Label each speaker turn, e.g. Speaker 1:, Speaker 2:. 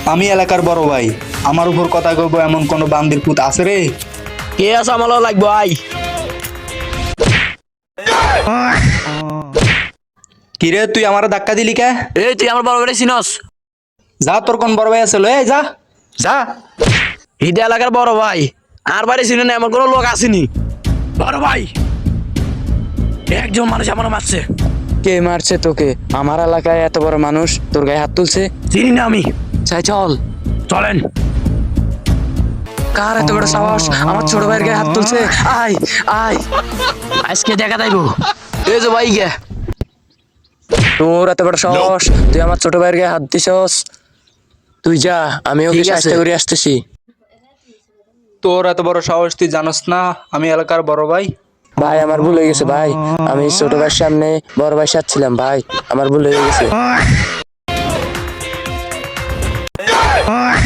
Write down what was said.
Speaker 1: আমি এলাকার বড় ভাই, আমার উপর কথা কইব এমন কোন বান্দির পুত আছে রে?
Speaker 2: কে আছে আমার লাগবো আই।
Speaker 1: কিরে তুই আমার ধাক্কা দিলি কে?
Speaker 2: এই তুই আমার বড় ভাই চিনস?
Speaker 1: যা, তোর কোন বড় ভাই আছে লো, এই যা যা।
Speaker 2: হিদে এলাকার বড় ভাই, আর বাড়ি চিনে না এমন কোনো লোক আসেনি। বড় ভাই, একজন মানুষ আমার মারছে।
Speaker 3: কে মারছে তোকে? আমার এলাকায় এত বড় মানুষ তোর গায়ে হাত তুলছে?
Speaker 2: চিনি না আমি।
Speaker 3: চাই চল।
Speaker 2: চলেন।
Speaker 3: কার এত বড় সাহস আমার ছোট ভাইয়ের গায়ে হাত তুলছে? আয় আয়,
Speaker 2: আজকে দেখা যাইবো। এই যে ভাই গে,
Speaker 3: তোর এত বড় সাহস, তুই আমার ছোট ভাইয়ের গায়ে হাত দিছস? তুই যা, আমি ওকে
Speaker 2: ঠিক আছে।
Speaker 3: চেষ্টা করে আসতেছি।
Speaker 1: তোর এত বড় সাহস, তুই জানোস না আমি এলাকার বড় ভাই?
Speaker 3: ভাই আমার ভুল হয়ে গেছে ভাই, আমি ছোট ভাইয়ের সামনে বড় ভাই সাজছিলাম ভাই, আমার ভুল হয়ে গেছে।